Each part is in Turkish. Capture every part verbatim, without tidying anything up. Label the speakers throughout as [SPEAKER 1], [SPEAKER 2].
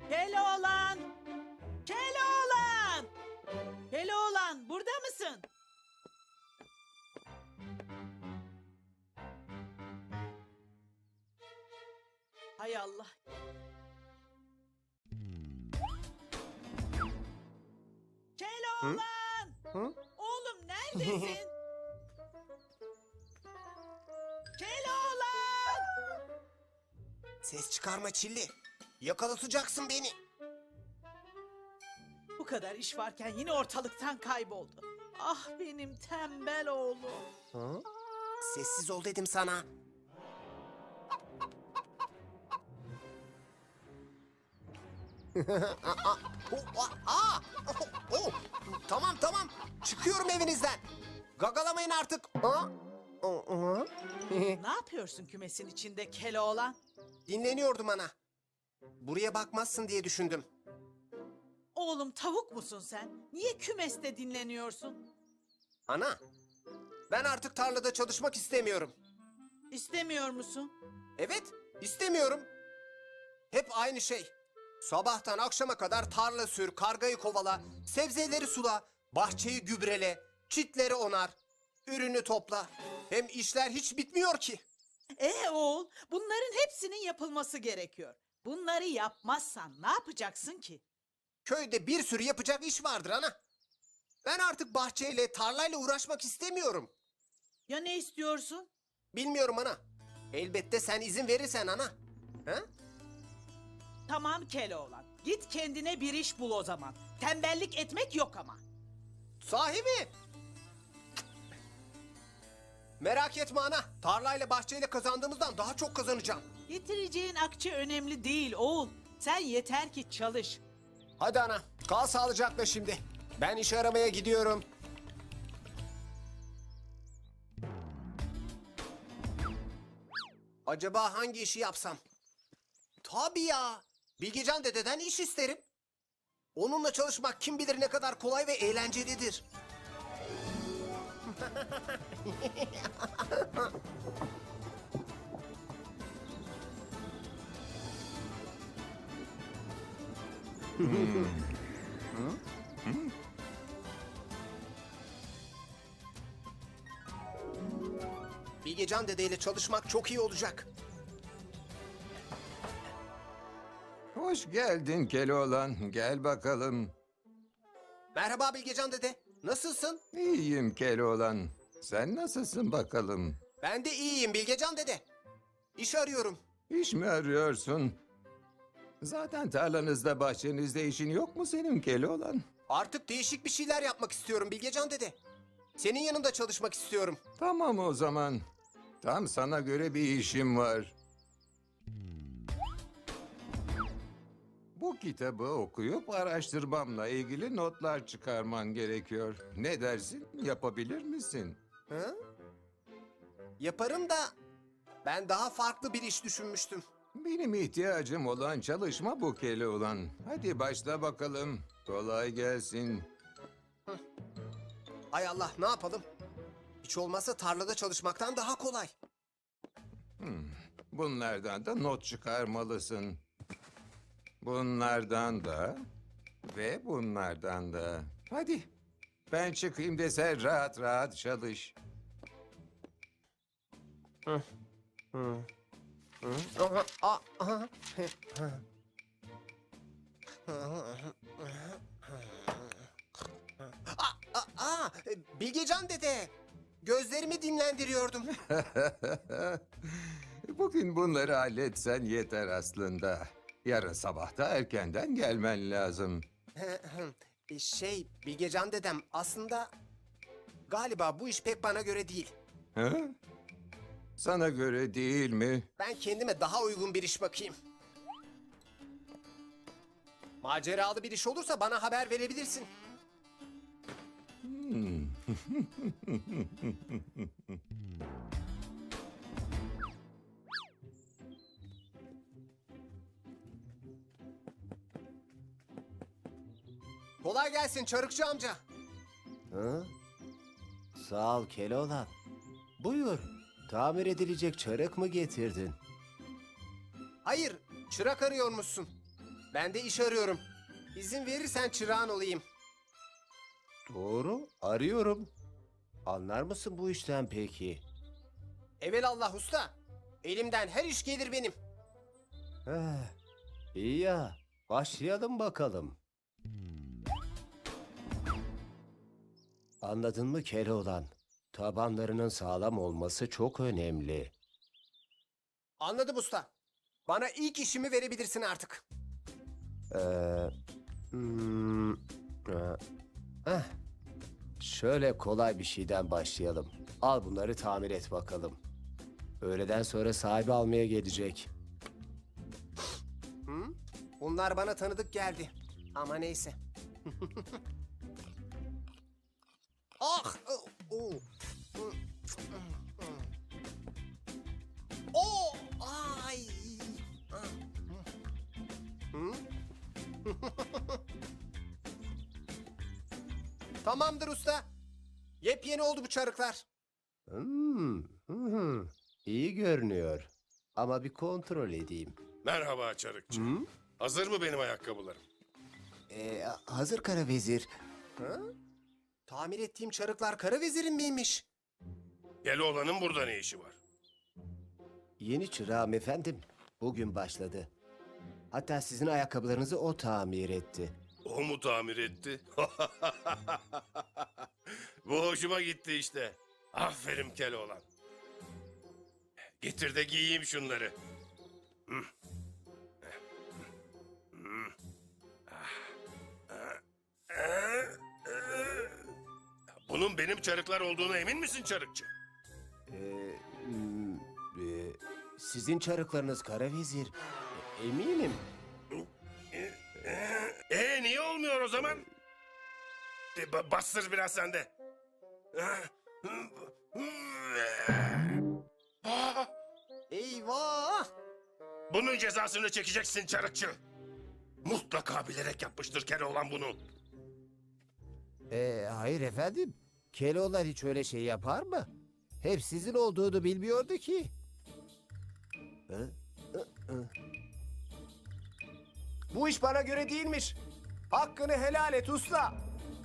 [SPEAKER 1] Keloğlan! Keloğlan! Keloğlan, burada mısın? Hay Allah. Keloğlan!
[SPEAKER 2] Hı?
[SPEAKER 1] Oğlum neredesin? Keloğlan!
[SPEAKER 2] Ses çıkarma Çilli. Yakalatacaksın beni.
[SPEAKER 1] Bu kadar iş varken yine ortalıktan kayboldu. Ah benim tembel oğlum.
[SPEAKER 2] Hı? Sessiz ol dedim sana. Aa, o, a- aa, oh, oh. Tamam tamam. Çıkıyorum evinizden. Gagalamayın artık. Aa, o- o.
[SPEAKER 1] Ne yapıyorsun kümesin içinde Keloğlan?
[SPEAKER 2] Dinleniyordum ana. Buraya bakmazsın diye düşündüm.
[SPEAKER 1] Oğlum tavuk musun sen? Niye kümeste dinleniyorsun?
[SPEAKER 2] Ana, ben artık tarlada çalışmak istemiyorum.
[SPEAKER 1] İstemiyor musun?
[SPEAKER 2] Evet, istemiyorum. Hep aynı şey. Sabahtan akşama kadar tarla sür, kargayı kovala, sebzeleri sula, bahçeyi gübrele, çitleri onar, ürünü topla. Hem işler hiç bitmiyor ki.
[SPEAKER 1] Ee oğul, bunların hepsinin yapılması gerekiyor. Bunları yapmazsan ne yapacaksın ki?
[SPEAKER 2] Köyde bir sürü yapacak iş vardır ana. Ben artık bahçeyle, tarlayla uğraşmak istemiyorum.
[SPEAKER 1] Ya ne istiyorsun?
[SPEAKER 2] Bilmiyorum ana. Elbette sen izin verirsen ana. Ha?
[SPEAKER 1] Tamam Keloğlan, git kendine bir iş bul o zaman. Tembellik etmek yok ama.
[SPEAKER 2] Sahi mi? Merak etme ana. Tarlayla bahçeyle kazandığımızdan daha çok kazanacağım.
[SPEAKER 1] Getireceğin akçe önemli değil oğul. Sen yeter ki çalış.
[SPEAKER 2] Hadi ana. Kal sağlıcakla şimdi. Ben iş aramaya gidiyorum. Acaba hangi işi yapsam? Tabii ya. Bilgecan dededen iş isterim. Onunla çalışmak kim bilir ne kadar kolay ve eğlencelidir. Bilgecan dedeyle çalışmak çok iyi olacak.
[SPEAKER 3] Hoş geldin Keloğlan. Gel bakalım.
[SPEAKER 2] Merhaba Bilgecan dede. Nasılsın?
[SPEAKER 3] İyiyim Keloğlan. Sen nasılsın bakalım?
[SPEAKER 2] Ben de iyiyim Bilgecan dede. İş arıyorum.
[SPEAKER 3] İş mi arıyorsun? Zaten tarlanızda, bahçenizde işin yok mu senin Keloğlan?
[SPEAKER 2] Artık değişik bir şeyler yapmak istiyorum Bilgecan dede. Senin yanında çalışmak istiyorum.
[SPEAKER 3] Tamam o zaman. Tam sana göre bir işim var. Bu kitabı okuyup araştırmamla ilgili notlar çıkarman gerekiyor. Ne dersin? Yapabilir misin?
[SPEAKER 2] Hı? Yaparım da ben daha farklı bir iş düşünmüştüm.
[SPEAKER 3] Benim ihtiyacım olan çalışma bu Keloğlan. Hadi başla bakalım. Kolay gelsin.
[SPEAKER 2] Ay Allah ne yapalım? Hiç olmazsa tarlada çalışmaktan daha kolay.
[SPEAKER 3] Bunlardan da not çıkarmalısın. Bunlardan da ve bunlardan da. Hadi ben çıkayım de sen rahat rahat çalış.
[SPEAKER 2] Aha, a- aha. Aa, aa, aa, Bilgecan dede. Gözlerimi dinlendiriyordum.
[SPEAKER 3] Bugün bunları halletsen yeter aslında. Yarın sabah da erkenden gelmen lazım.
[SPEAKER 2] E, şey Bilgecan dedem aslında galiba bu iş pek bana göre değil.
[SPEAKER 3] Ha? Sana göre değil mi?
[SPEAKER 2] Ben kendime daha uygun bir iş bakayım. Maceralı bir iş olursa bana haber verebilirsin. Kolay gelsin Çarıkçı amca.
[SPEAKER 4] Hı? Sağ ol Keloğlan. Buyur. Tamir edilecek çarık mı getirdin?
[SPEAKER 2] Hayır, çırak arıyormuşsun. Ben de iş arıyorum. İzin verirsen çırağın olayım.
[SPEAKER 4] Doğru, arıyorum. Anlar mısın bu işten peki?
[SPEAKER 2] Evelallah usta. Elimden her iş gelir benim.
[SPEAKER 4] Eh, iyi ya, başlayalım bakalım. Anladın mı Keloğlan? Tabanlarının sağlam olması çok önemli.
[SPEAKER 2] Anladım usta. Bana ilk işimi verebilirsin artık.
[SPEAKER 4] Ee, hmm, e, eh, şöyle kolay bir şeyden başlayalım. Al bunları tamir et bakalım. Öğleden sonra sahibi almaya gelecek.
[SPEAKER 2] Hı? Bunlar bana tanıdık geldi. Ama neyse. Ah! Oh! Oh! Oh! Ay! Hı? Tamamdır usta. Yepyeni oldu bu çarıklar.
[SPEAKER 4] Hmm, hı hı, iyi görünüyor. Ama bir kontrol edeyim.
[SPEAKER 5] Merhaba Çarıkçı.
[SPEAKER 4] Hı?
[SPEAKER 5] Hazır mı benim ayakkabılarım?
[SPEAKER 4] Ee, hazır kara vezir.
[SPEAKER 2] Hı? Tamir ettiğim çarıklar kara vezirin miymiş?
[SPEAKER 5] Keloğlan'ın burada ne işi var?
[SPEAKER 4] Yeni çırağım efendim. Bugün başladı. Hatta sizin ayakkabılarınızı o tamir etti.
[SPEAKER 5] O mu tamir etti? Bu hoşuma gitti işte. Aferin Keloğlan. Getir de giyeyim şunları. Hı. Hı. Bunun benim çarıklar olduğuna emin misin Çarıkçı?
[SPEAKER 4] Ee, hmm, e, sizin çarıklarınız kara vezir. E, eminim.
[SPEAKER 5] Ee niye olmuyor o zaman? E, ba- bastır biraz sen de.
[SPEAKER 2] Eyvah!
[SPEAKER 5] Bunun cezasını çekeceksin Çarıkçı. Mutlaka bilerek yapmıştır Keloğlan bunu.
[SPEAKER 4] Ee, hayır efendim. Keloğlan hiç öyle şey yapar mı? Hep sizin olduğunu bilmiyordu ki. Hı? Hı, hı.
[SPEAKER 2] Bu iş bana göre değilmiş. Hakkını helal et usta.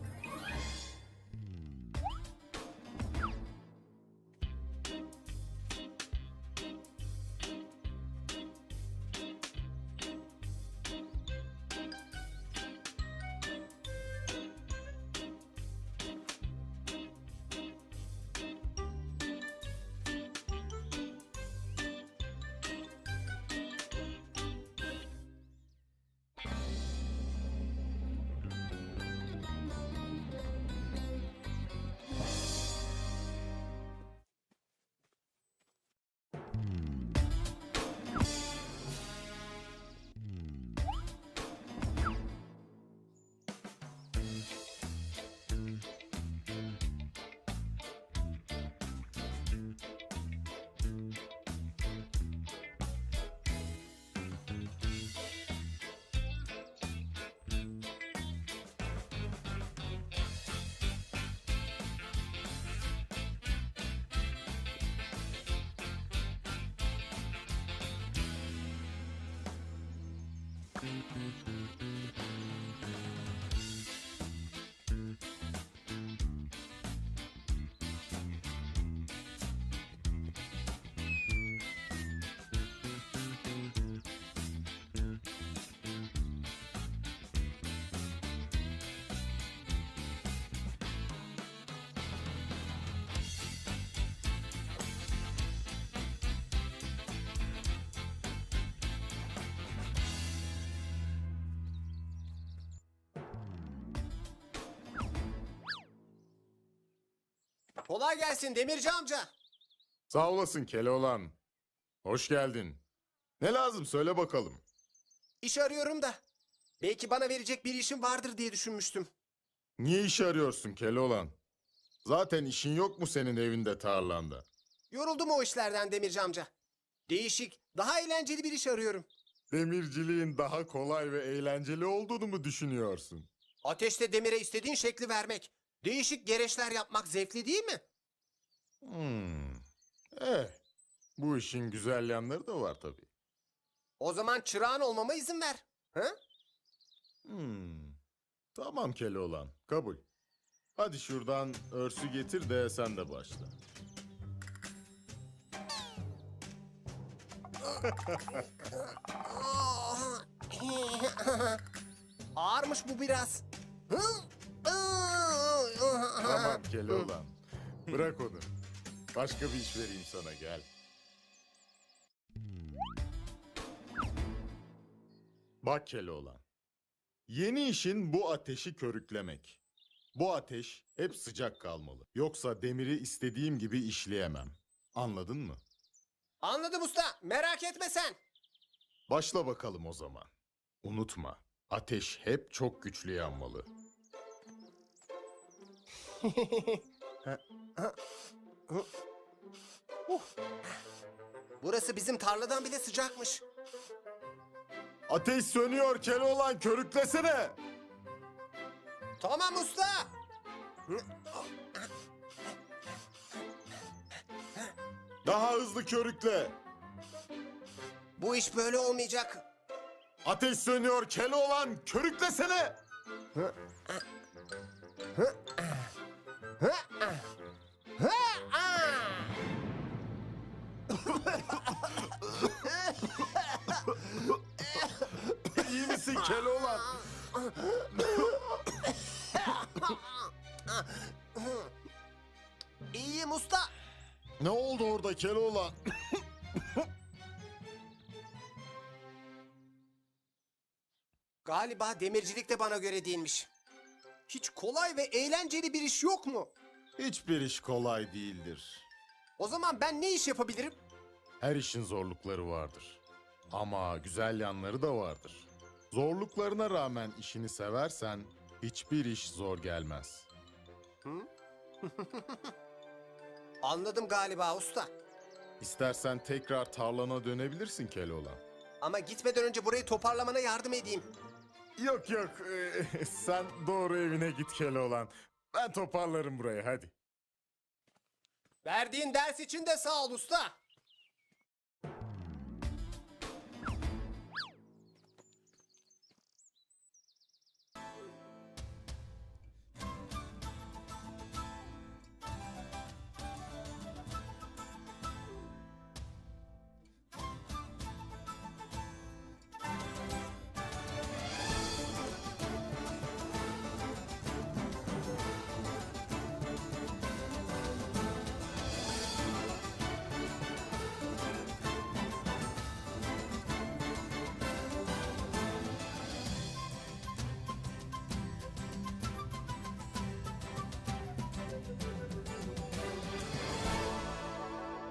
[SPEAKER 2] Kolay gelsin Demirci amca.
[SPEAKER 6] Sağ olasın Keloğlan. Hoş geldin. Ne lazım söyle bakalım.
[SPEAKER 2] İş arıyorum da. Belki bana verecek bir işim vardır diye düşünmüştüm.
[SPEAKER 6] Niye iş arıyorsun Keloğlan? Zaten işin yok mu senin evinde tarlanda?
[SPEAKER 2] Yoruldum o işlerden Demirci amca. Değişik, daha eğlenceli bir iş arıyorum.
[SPEAKER 6] Demirciliğin daha kolay ve eğlenceli olduğunu mu düşünüyorsun?
[SPEAKER 2] Ateşte demire istediğin şekli vermek, değişik gereçler yapmak zevkli değil mi?
[SPEAKER 6] Hmm. Eh, bu işin güzel yanları da var tabii.
[SPEAKER 2] O zaman çırağın olmama izin ver. Hı?
[SPEAKER 6] Hmm. Tamam Keloğlan, kabul. Hadi şuradan örsü getir de sen de başla.
[SPEAKER 2] Ağırmış bu biraz.
[SPEAKER 6] Tamam Keloğlan. Bırak onu. Başka bir iş vereyim sana, gel. Bak Keloğlan. Yeni işin bu ateşi körüklemek. Bu ateş hep sıcak kalmalı. Yoksa demiri istediğim gibi işleyemem. Anladın mı?
[SPEAKER 2] Anladım usta. Merak etme sen.
[SPEAKER 6] Başla bakalım o zaman. Unutma, ateş hep çok güçlü yanmalı.
[SPEAKER 2] Burası bizim tarladan bile sıcakmış.
[SPEAKER 6] Ateş sönüyor Keloğlan, körüklesene.
[SPEAKER 2] Tamam usta.
[SPEAKER 6] Daha hızlı körükle.
[SPEAKER 2] Bu iş böyle olmayacak.
[SPEAKER 6] Ateş sönüyor Keloğlan, körüklesene. İyi misin Keloğlan?
[SPEAKER 2] İyiyim usta.
[SPEAKER 6] Ne oldu orada Keloğlan?
[SPEAKER 2] Galiba demircilik de bana göre değilmiş. Hiç kolay ve eğlenceli bir iş yok mu?
[SPEAKER 6] Hiçbir iş kolay değildir.
[SPEAKER 2] O zaman ben ne iş yapabilirim?
[SPEAKER 6] Her işin zorlukları vardır. Ama güzel yanları da vardır. Zorluklarına rağmen işini seversen hiçbir iş zor gelmez.
[SPEAKER 2] Anladım galiba usta.
[SPEAKER 6] İstersen tekrar tarlana dönebilirsin Keloğlan.
[SPEAKER 2] Ama gitmeden önce burayı toparlamana yardım edeyim.
[SPEAKER 6] Yok yok, ee, sen doğru evine git Keloğlan. Ben toparlarım burayı, hadi.
[SPEAKER 2] Verdiğin ders için de sağ ol usta.